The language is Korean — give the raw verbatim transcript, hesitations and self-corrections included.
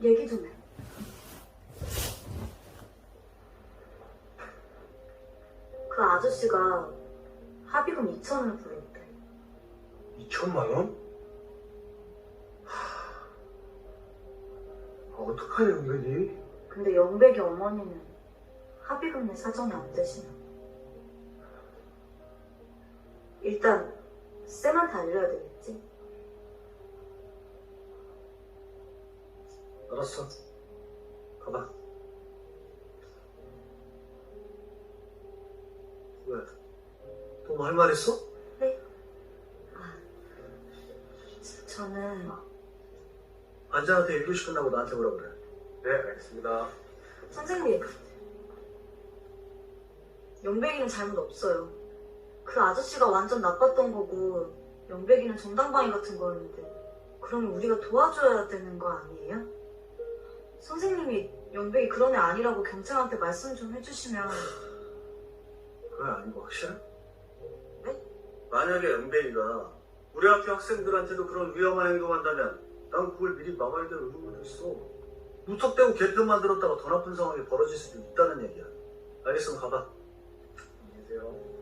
얘기 좀 해. 그 아저씨가 합의금 이천을 부르는데. 이천만 원? 하... 아, 어떡하냐, 은근히. 근데 영백이 어머니는 합의금 내 사정이 안 되시나. 일단 쌤한테 알려야 되겠지? 알았어. 가봐. 왜? 또 뭐 할 말 있어? 네? 아, 저는 반장한테 일 교시 끝나고 나한테 오라 그래. 네, 알겠습니다. 선생님, 영백이는 잘못 없어요. 그 아저씨가 완전 나빴던 거고 영백이는 정당방위 같은 거였는데 그러면 우리가 도와줘야 되는 거 아니에요? 선생님이 영백이 그런 애 아니라고 경찰한테 말씀 좀 해주시면. 그건 아닌 거 확실해? 네? 만약에 은배이가 우리 학교 학생들한테도 그런 위험한 행동한다면 난 그걸 미리 막아야 될 의무도 있어. 무턱대고 개편 만들었다가 더 나쁜 상황이 벌어질 수도 있다는 얘기야. 알겠으면 가봐. 안녕히 계세요.